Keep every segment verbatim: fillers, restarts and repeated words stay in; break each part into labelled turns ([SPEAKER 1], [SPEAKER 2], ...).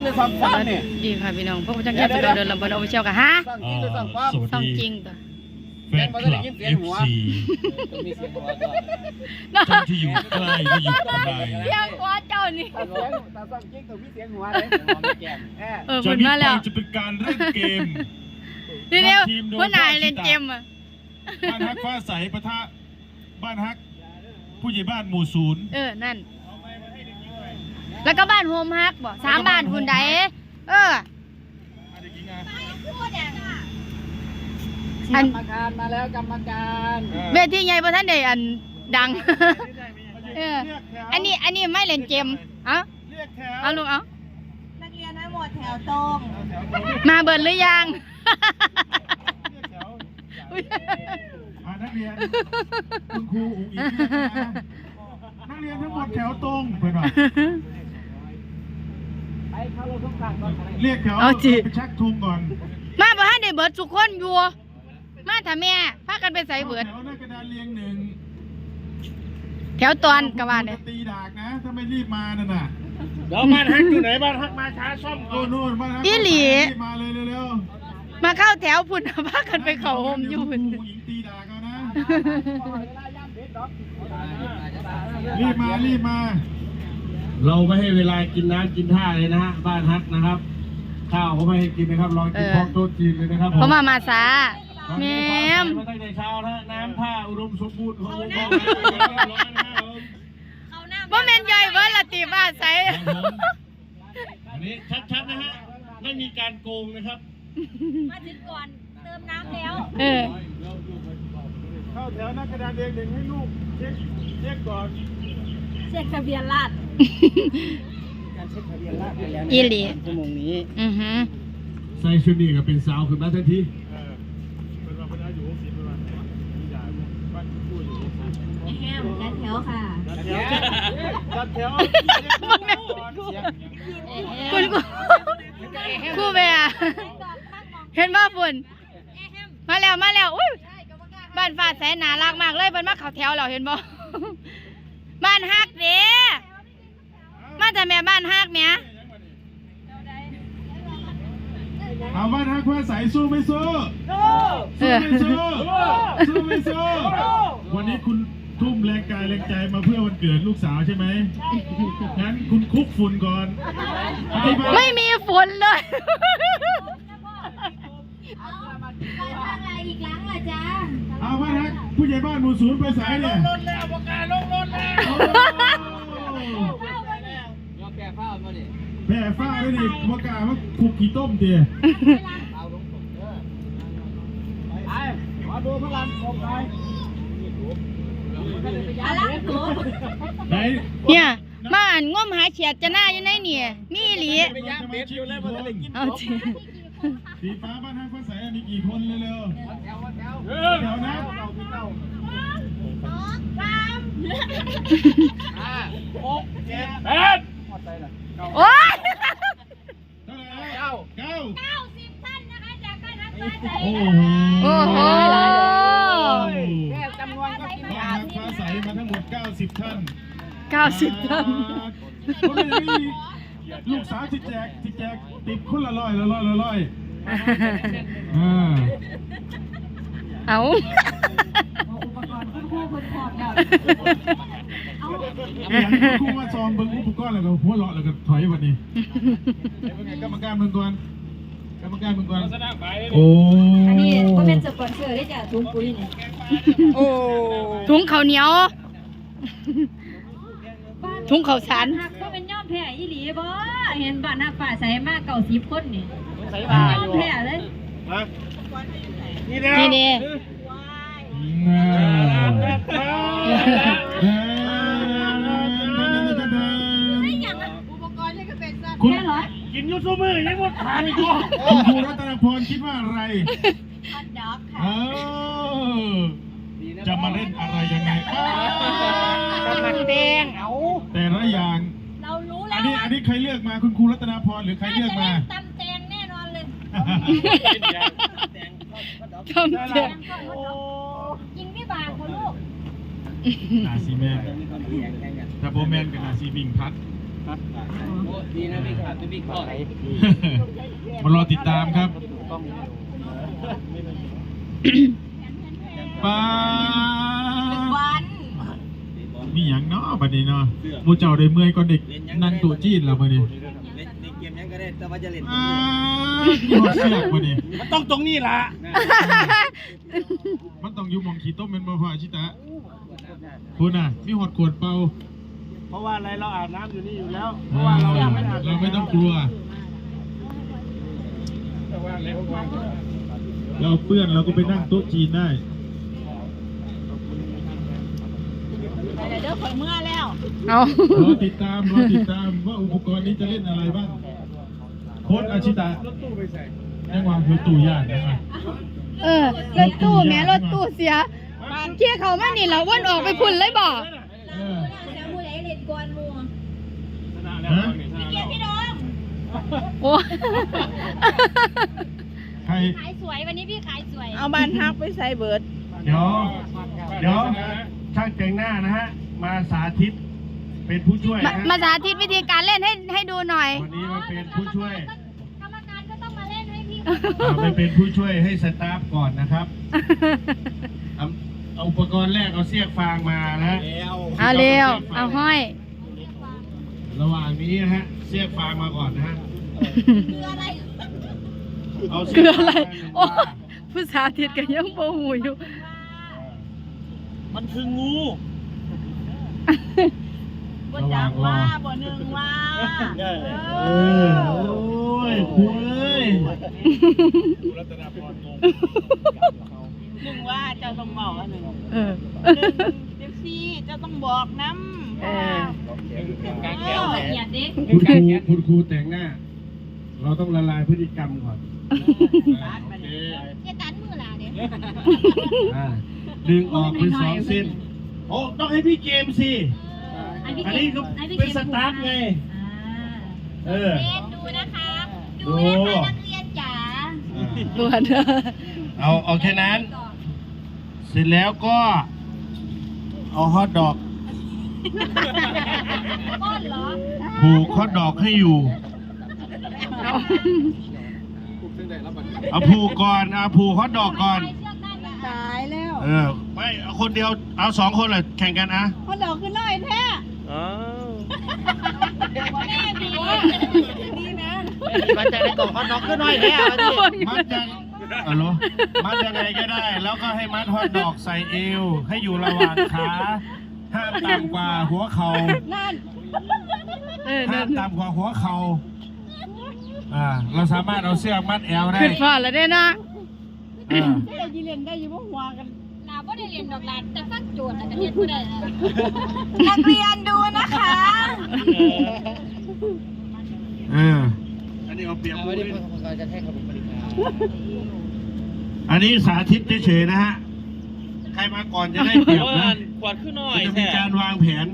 [SPEAKER 1] ดีค่ะพี่น้องพวกผู้จัดการเดินลำบากเอาไปเชี่ยวกันฮะสองจริงตัว
[SPEAKER 2] แฟนคลับ เอฟ ซี ท่านที่อยู่ใกล้และอยู่ไกล
[SPEAKER 1] เสียงหัวเจ้านี่เออ
[SPEAKER 2] จาก
[SPEAKER 1] พูด
[SPEAKER 2] นี้
[SPEAKER 1] มา
[SPEAKER 2] ไป
[SPEAKER 1] แล้ว
[SPEAKER 2] จะเป็นการเล่นเกม
[SPEAKER 1] ทีเดียวผู้นายเล่นเกมอ่ะ
[SPEAKER 2] บ้านฮักฟ้าใสปะทะบ้านฮักผู้ใหญ่บ้านหมู่ศูนย์
[SPEAKER 1] เออนั่นแล้วก็บ้านโฮมฮักบ่สามบ้านคุณใดเอออันกรรมการมาแล้วกรรมการเวทีใหญ่ประท่านใดอันดังเอออันนี้อันนี้ไม่เล่นเกมเอ้าเอาลูกเอา
[SPEAKER 3] นักเรียนทั้งหมดแถวตรง
[SPEAKER 1] มาเบิร์นหรือยัง
[SPEAKER 2] นักเรียนคุณครูอุ๋งอิ๋งนักเรียนทั้งหมดแถวตรงไปหน่อยเรียกแถวไปชักธงก่อน
[SPEAKER 1] มาประท่านใดเบิร์ดทุกคนอยู่มาถ้าแม่พากันไปใส่เบิด
[SPEAKER 2] แถวหน้ากระดานเรียงหนึ่ง
[SPEAKER 1] แถวตอนกระบาดเนี่ย
[SPEAKER 2] ตีดากนะถ้าไม่รีบมานั่นน่ะ
[SPEAKER 4] เดี๋ยวบ้านฮักอยู่ไหนบ้านฮักมาช้าซ่อม
[SPEAKER 2] โอ้โน่นบ้านฮัก
[SPEAKER 1] อีหลี
[SPEAKER 2] มาเลยเร็ว
[SPEAKER 1] ๆมาเข้าแถวพุ่นพากันไปเข้าโฮมอยู่พุ่น
[SPEAKER 2] ตีดากนะรีบมารีบมา
[SPEAKER 4] เราไม่ให้เวลากินน้ำกินท่าเลยนะฮะบ้านฮักนะครับข้าวก็ไม่ให้กินนะครับลองกินพร้อมโต๊ะจีนเลยนะครับ
[SPEAKER 1] เพราะมามาซาแมม
[SPEAKER 4] มาตั้งแต่เช้านะน้ำท่าอุดมสมบูรณ์ของวงการ
[SPEAKER 1] ว่าแมนย่อยเบิร์ดละตีบ้าใส่
[SPEAKER 4] อันนี้ชัดๆนะฮะไม่มีการโกงนะครับ
[SPEAKER 3] มาถึงก่อนเติมน้ำแล้ว
[SPEAKER 1] เออ
[SPEAKER 2] เข้าแถวหน้ากระดานเรียงหนึ่งให้ลูกเช็คเช็คก่อน
[SPEAKER 3] เช็คทะเบียนราษฎร์
[SPEAKER 1] การเช็คทะเบียนราษฎร์ไปแล้วอีหลีชั่วโมงนี้อือฮึ
[SPEAKER 4] ใส่ชุดนี้ก็เป็นสาวขึ้นมาทันที
[SPEAKER 3] แฮมจัดแถวค่ะ
[SPEAKER 2] จัดแถว
[SPEAKER 1] คุณคู่เบียเห็นว่าฝุ่นมาแล้วมาแล้วอุ้ยบ้านฟ้าแสนน่ารักมากเลยเพิ่นมาเข้าแถวแล้วเห็นบ่บ้านฮักเด้มาแต่แม่บ้านฮักแม่
[SPEAKER 2] เอาบ้านฮักว่าใส่สู้ไม่สู้สู้ไม่สู้สู้ไม่สู้วันนี้คุณทุ่มแรงกายแรงใจมาเพื่อวันเกิดลูกสาวใช่ไหมงั้นคุณคุกฝุ่นก่อน
[SPEAKER 1] ไม่มีฝุ่นเลย
[SPEAKER 3] อีกครั้งละจ้า
[SPEAKER 2] เอาบ้านฮักผู้ใหญ่บ้านหมู่ศูนย์ไปสายเนี่ย
[SPEAKER 4] ลงรถแล้วประกาศลงรถแล้ว
[SPEAKER 2] ยอมแก่ฟ้ามาดิแก่ฟ้าไม่ดิประกาศว่าคุกขี้ต้มเตี๋ย
[SPEAKER 4] ไปมาดูพลังของใคร
[SPEAKER 1] เนี่ยมาอ่านง่วมหาเฉียดจะหน้าอยู่ในเนี่ยมีหลีเอาจริง
[SPEAKER 2] สีฟ้าบ้านฮักฟ้าใสมีกี่คนเร็วๆแถวแถวแถวนะ
[SPEAKER 3] สองสาม
[SPEAKER 4] ห้าหกเจ็ดแปด
[SPEAKER 1] โอ้ย
[SPEAKER 2] เก้าเก้า
[SPEAKER 3] เก้าสิบท่านนะคะจากบ้านฮักฟ้าใส
[SPEAKER 2] โอ้โห
[SPEAKER 3] แค่จำนวนก็กิน
[SPEAKER 2] บ้านฮักฟ้าใสมาทั้งหมดเก้าสิบท่าน
[SPEAKER 1] เก้าสิบท่าน
[SPEAKER 2] ลูกสาวที่แจกที่แจกติดคนละร้อยละร้อยละร้อยอ่า
[SPEAKER 1] เอา
[SPEAKER 3] อุปกรณ์คู่คู่คนขอบเนี่ย
[SPEAKER 2] เอาคู่มาซองเบิ้งอุปกรณ์แล้วก็หัวเลาะแล้วก็ถอยวันนี้เป็นไงกรรมการเมืองก่อนกรรมการเมืองก่อนโอ้
[SPEAKER 3] อันนี้ก็เป็นสปอนเซอร์ได้จากถุงปุ๋ยนี่
[SPEAKER 1] โอ้ถุงข้าวเหนียวถุงข้าวสาร
[SPEAKER 3] หักก็เป็นย่อมแผ่ยี่หลีบ่เห็นบ้านหน้าป่าใส่มากเก่าสิบคนนี่ย่อมแผ่เลย
[SPEAKER 4] นี่เด้
[SPEAKER 1] นี่เด้
[SPEAKER 2] คุณ
[SPEAKER 4] กินยูซูมือยังหมดทานอีกอ่ะ
[SPEAKER 2] คุณครูรัตนพรคิดว่าอะไร
[SPEAKER 3] ฮอตดอกค่ะ
[SPEAKER 2] เออจะมาเล่นอะไรยังไง
[SPEAKER 1] จะมาแดงเอา
[SPEAKER 2] แต่ละอย่าง
[SPEAKER 3] เรารู้แล้ว
[SPEAKER 2] อันนี้อันนี้ใครเลือกมาคุณครูรัตนพรหรือใครเลือกมา
[SPEAKER 3] ตำแตงแน่นอนเลย
[SPEAKER 1] ตำแตง
[SPEAKER 3] กินไม่บางคนลูก
[SPEAKER 2] นาซีแมนถ้าโบแมนกับนาซีวิ่งพัด
[SPEAKER 4] ดีนะพี่ขาดพี่ข้อไหน
[SPEAKER 2] มารอติดตามครับปา
[SPEAKER 3] วัน
[SPEAKER 2] มีอย่างเนาะบัดนี้เนาะหมูเจ้าได้เมื่อยก็เด็กนั่งตัวจีนแล้วบัดนี้
[SPEAKER 4] เล่นเกมยังก็ได้แต่ว่าจะเล่น
[SPEAKER 2] อ่ามีหอดเสียกบัดนี้
[SPEAKER 4] มันต้องตรงนี้ล่ะ
[SPEAKER 2] มันต้องอยู่หมองขี้ต้มเป็นบ่พอชิตะคุณน่ะมีหอดขวดเปล่า
[SPEAKER 4] เพราะว่าอะไรเราอาบน้ำอยู่นี่อยู่แล้วเพ
[SPEAKER 2] เอ
[SPEAKER 4] ราะ
[SPEAKER 2] อ
[SPEAKER 4] ว่าเรายังไม่อาบ
[SPEAKER 2] เราไม่ต้องกลัว เราเปื้อนเราก็ไปนั่งโต๊ะจีนได้
[SPEAKER 3] เดี๋ยวข่อยเมื่อแล้ว
[SPEAKER 1] เอา
[SPEAKER 2] รอติดตามรอติดตามว่าอุปกรณ์นี้จะเล่นอะไรบ้างโค้ดอาชิตะยังวางหัวตู้ย่างนะ
[SPEAKER 1] เออรถตู้แม่รถตู้เสียเที่ยเขามานี่เราวนออกไปพุ่นเลยบ่
[SPEAKER 2] เออ
[SPEAKER 3] เดี๋ยวผู้ใดเล่นกวนหมู่
[SPEAKER 2] ฮะ
[SPEAKER 3] พี่เกียรติพี่น้อง
[SPEAKER 1] โอ้
[SPEAKER 2] ใคร
[SPEAKER 3] ขายสวยวันนี้พี่ขายสวย
[SPEAKER 5] เอาบ้านฮักไปใส่เบิร์ด
[SPEAKER 2] เดี๋ยวเดี๋ยวช่างแต่งหน้านะฮะมาสาธิตเป็นผู้ช่วย
[SPEAKER 1] มา
[SPEAKER 2] นะ
[SPEAKER 1] มาสาธิตวิธีการเล่นให้ให้ดูหน่อย
[SPEAKER 2] วันนี้มาเป็นผู้ช่วย
[SPEAKER 3] กรรมการก็ต้องมาเล่นให้พี่
[SPEAKER 2] เอาไปเป็นผู้ช่วยให้สตาฟก่อนนะครับเอาเอาอุปกรณ์แรกเอาเสียกฟางมานะ
[SPEAKER 1] เอาเร็ว เอาห้อย
[SPEAKER 2] ระหว่างนี้นะฮะเสียกฟางมาก่อนนะฮะ
[SPEAKER 3] คืออะไร
[SPEAKER 2] เอาเสี
[SPEAKER 1] คื
[SPEAKER 2] ย
[SPEAKER 1] อก อะไร
[SPEAKER 2] ฟาง
[SPEAKER 1] โอ้ผู้สาธิตกันยังโมหูอยู่
[SPEAKER 4] มันคืองู
[SPEAKER 5] บ่จักว่าบ่หนึ่งว่า
[SPEAKER 2] เออโอ้ยคุย
[SPEAKER 5] หนึ่งว่าเจ้าต้องบอกว่าหนึ่ง
[SPEAKER 1] เออ
[SPEAKER 5] หนึ่งเดี๋ยวซี่เจ้าต้องบอกน้ำ
[SPEAKER 1] เออ
[SPEAKER 3] เออเหยียดดิ
[SPEAKER 2] คุณครูคุณครูแต่งหน้า เราต้องละลายพฤติกรรมก่อนอ่าโอเค
[SPEAKER 3] เจ๊ตันมือล่ะเดี๋ยว
[SPEAKER 2] อ่าดึงออกเป็นสองเส้นโอ้ต้องให้พี่เกมสิ อันนี้ก็เป็นสตาร์ทไง เออ
[SPEAKER 3] เล่นดูนะคะ ดูนะคะนักเรียนจ๋า
[SPEAKER 1] บวช
[SPEAKER 2] เอาเอาแค่นั้น เสร็จแล้วก็ เอาฮอทดอก
[SPEAKER 3] ก้อนเหรอ
[SPEAKER 2] ผูกฮอทดอกให้อยู่ เอาผูกก่อนเอาผูกฮอทดอกก่อน
[SPEAKER 3] เชือกได้ไหม
[SPEAKER 5] ตายแล้ว
[SPEAKER 2] เออ ไม่เอาคนเดียว เอาสองคนเลยแข่งกันอะ
[SPEAKER 5] เขาดอกขึ้นน้อยแท้
[SPEAKER 3] แม่บี
[SPEAKER 5] นี่นะ
[SPEAKER 4] มันจะได้กล่องฮอตดอกขึ้นหน่อยแล้ว
[SPEAKER 2] มัดยังอ๋อเหรอมัดยังไงก็ได้ แล้วก็ให้มัดฮอทดอกใส่เอว ให้อยู่ระหว่างขาห้ามต่ำกว่าหัวเข่า
[SPEAKER 5] นั่น
[SPEAKER 1] เออ
[SPEAKER 2] ห้า
[SPEAKER 1] นั่
[SPEAKER 2] ม
[SPEAKER 1] น
[SPEAKER 2] ต่ำกว่าหัวเข่าอ่า เราสามารถเอาเสื้อมัดแอวได้
[SPEAKER 1] ขึ้นฟ้าแล้วเด้นะ
[SPEAKER 2] อ่า
[SPEAKER 5] เจ้าจีเล่นได้อยู่บ่หัวกัน
[SPEAKER 3] ลาบ่ได้เรียนดอกลานแต่ฟักโจทย์แล้วก็เรียนบ่ได้แล้ว
[SPEAKER 5] นักเรียนดูนะคะ
[SPEAKER 2] เออ อันนี้เอาเปรียบผู้อื่น
[SPEAKER 4] เราจะแท่งขบวนปริญญา
[SPEAKER 2] อันนี้สาธิตเฉยๆนะฮะ ใครมาก่อนจะได้เปรียบนะ
[SPEAKER 4] ขวดขึ้นหน่อย
[SPEAKER 2] จะมีการวางแผน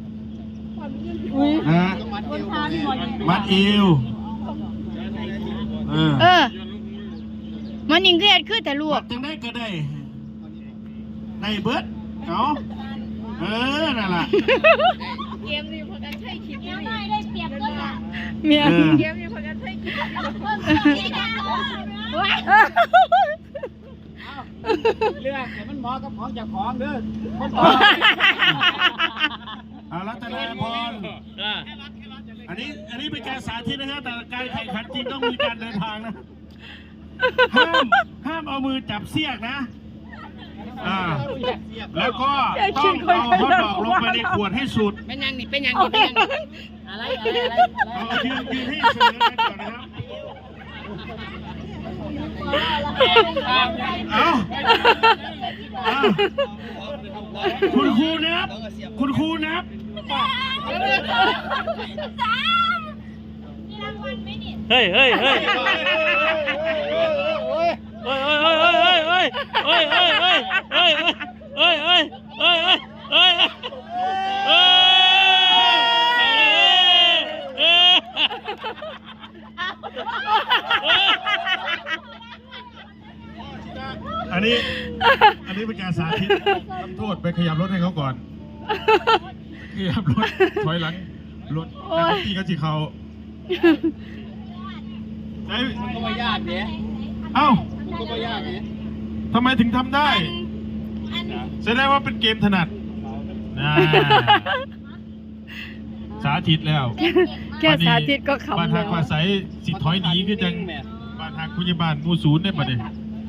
[SPEAKER 2] นะฮะ
[SPEAKER 5] คนทานหมด
[SPEAKER 2] มัดเอวเออ
[SPEAKER 1] เออ มันยิงเครียดขึ้นแต่ลว
[SPEAKER 2] มั
[SPEAKER 1] ก
[SPEAKER 2] ดจังได้ก็ได้ได้เบิดเอาเออ นั่นแหละ
[SPEAKER 5] เกมนี้พอกันใช้คิด
[SPEAKER 3] เดี๋ยวหน่อยได้เปรียบก็ล่ะ
[SPEAKER 1] เมีย
[SPEAKER 2] เออ
[SPEAKER 5] เกมนี้พอกันใช้คิด
[SPEAKER 3] เพิ่มนี่นะ
[SPEAKER 4] เรื่องแต่มันเหมาะกับของจากของเด้อ
[SPEAKER 2] เอารัตนาพร อันนี้ อันนี้เป็นการสาธิตนะฮะแต่การแข่งขันจริงต้องมีการเดินทางนะ ห้าม ห้ามเอามือจับเสียกนะ อ่า แล้วก็ต้องเอาฮอตดอกลงไปในขวดให้สุด
[SPEAKER 4] เป็นยังนี่เป็นยังนี่เป็นยังนี่อะไรอะไรอะไร
[SPEAKER 2] เอายืนยืนให้เสมอกันก่อนนะครับ เอาเอาคุณครูนับ คุณครูนับ
[SPEAKER 3] สามมีรางวัลไหมนี่
[SPEAKER 4] เฮ้ยเฮ้ยเฮ้ยเฮ้ยเฮ้ยเฮ้ยเฮ้ยเฮ้ยเฮ้ยเฮ้ยเฮ้ยเฮ้ยเฮ้ยเฮ้ยเฮ้ยเฮ้ยเฮ้ยเฮ้ย
[SPEAKER 2] อันนี้ อันนี้เป็นการสาธิตทำโทษไปขยับรถให้เขาก่อน ขยับรถถอยหลังรถนักดนตรีก็สิเขาไอ้
[SPEAKER 4] ก็ไม่ยากเนี่ย
[SPEAKER 2] เอ้า
[SPEAKER 4] ก็ไม่ยากเนี่ย
[SPEAKER 2] ทำไมถึงทำได้แสดงว่าเป็นเกมถนัดอ่าสาธิตแล้ว
[SPEAKER 1] แค่สาธิตก็ขำ
[SPEAKER 2] บ้าน
[SPEAKER 1] แล้
[SPEAKER 2] หัก
[SPEAKER 1] ว
[SPEAKER 2] ว่าใสสิถอยหนีคือจังบ้านหักพยาบาลมูศูนย์ได้ปะเนี่ย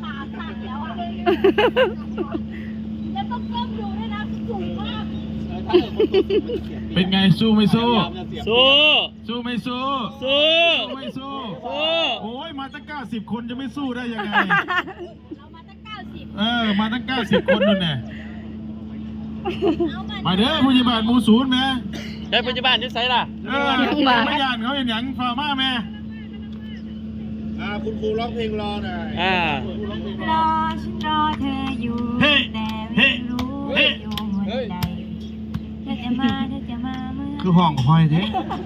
[SPEAKER 2] เป็นไงสู้ไม่สู้
[SPEAKER 4] สู้
[SPEAKER 2] สู้ไม่สู้
[SPEAKER 4] สู้
[SPEAKER 2] สู้ไม่สู้
[SPEAKER 4] สู้
[SPEAKER 2] โอ้ยมาตั้งเก้าสิบคนจะไม่สู้ได้ยังไงเออมาตั้งเก้าสิบคนนู่นน่ะมาเด้อพยาบาลมูศูนย์แม่
[SPEAKER 4] ได้ปัจจุบันที่ไสล่ะ
[SPEAKER 2] เออไม่ยานเขาเห็นหยังฟาร์มาแม่อ่าคุณครูร้องเพลงรอหน่อย
[SPEAKER 4] อ่าร
[SPEAKER 3] อฉันรอเธออยู่
[SPEAKER 2] เฮ้
[SPEAKER 3] แต่
[SPEAKER 2] เฮ้
[SPEAKER 3] ไม่รู้
[SPEAKER 2] เฮ้
[SPEAKER 3] ว่าอยู่หนใดเธอจะมาเธอจะมาเมื่อ
[SPEAKER 2] คือห้องคอยเด้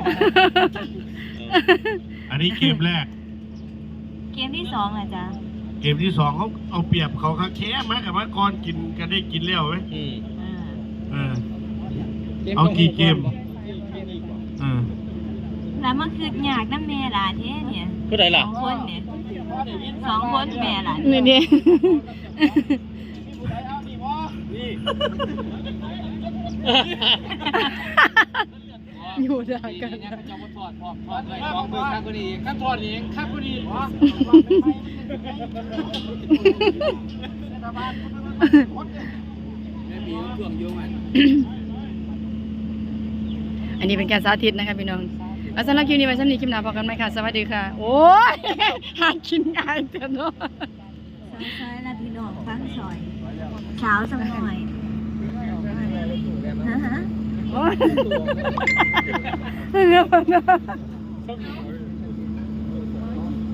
[SPEAKER 2] อันนี้เกมแรก
[SPEAKER 3] เกมที่สองอ่ะจ๊ะ
[SPEAKER 2] เกมที่สองเขาเอาเปรียบเขาค่ะแค่มากับว่าก่อนกินกันได้กินแล้วไหม
[SPEAKER 4] อืม
[SPEAKER 3] อ่า
[SPEAKER 2] เออเอากี่เกมเออ
[SPEAKER 3] แล้วมันคืออยากน้ำแม่หลานเท่เนี่ย
[SPEAKER 4] ผู้ใด
[SPEAKER 3] ส
[SPEAKER 4] ล่ะ
[SPEAKER 3] องคนเนี่ยสองคนแม่หลาน
[SPEAKER 1] นี่นี่ อยู่ด่ากัน
[SPEAKER 4] สองมือข้างคนนี้ข้างทอดเองข้างคนนี้
[SPEAKER 1] อันนี้เป็นการสาธิตนะคะพี่น้องเอาสำหรับคลิปนี้ไว้สำหรับคลิปหน้าพบกันไหมค่ะสวัสดีค่ะ โอ้ยหากินง่ายเถอะเนาะ
[SPEAKER 3] ซ้ายละพี่น้องฟังซอยสาวสักหน่อยฮะฮะ
[SPEAKER 1] โอ้ยเรื่องมัน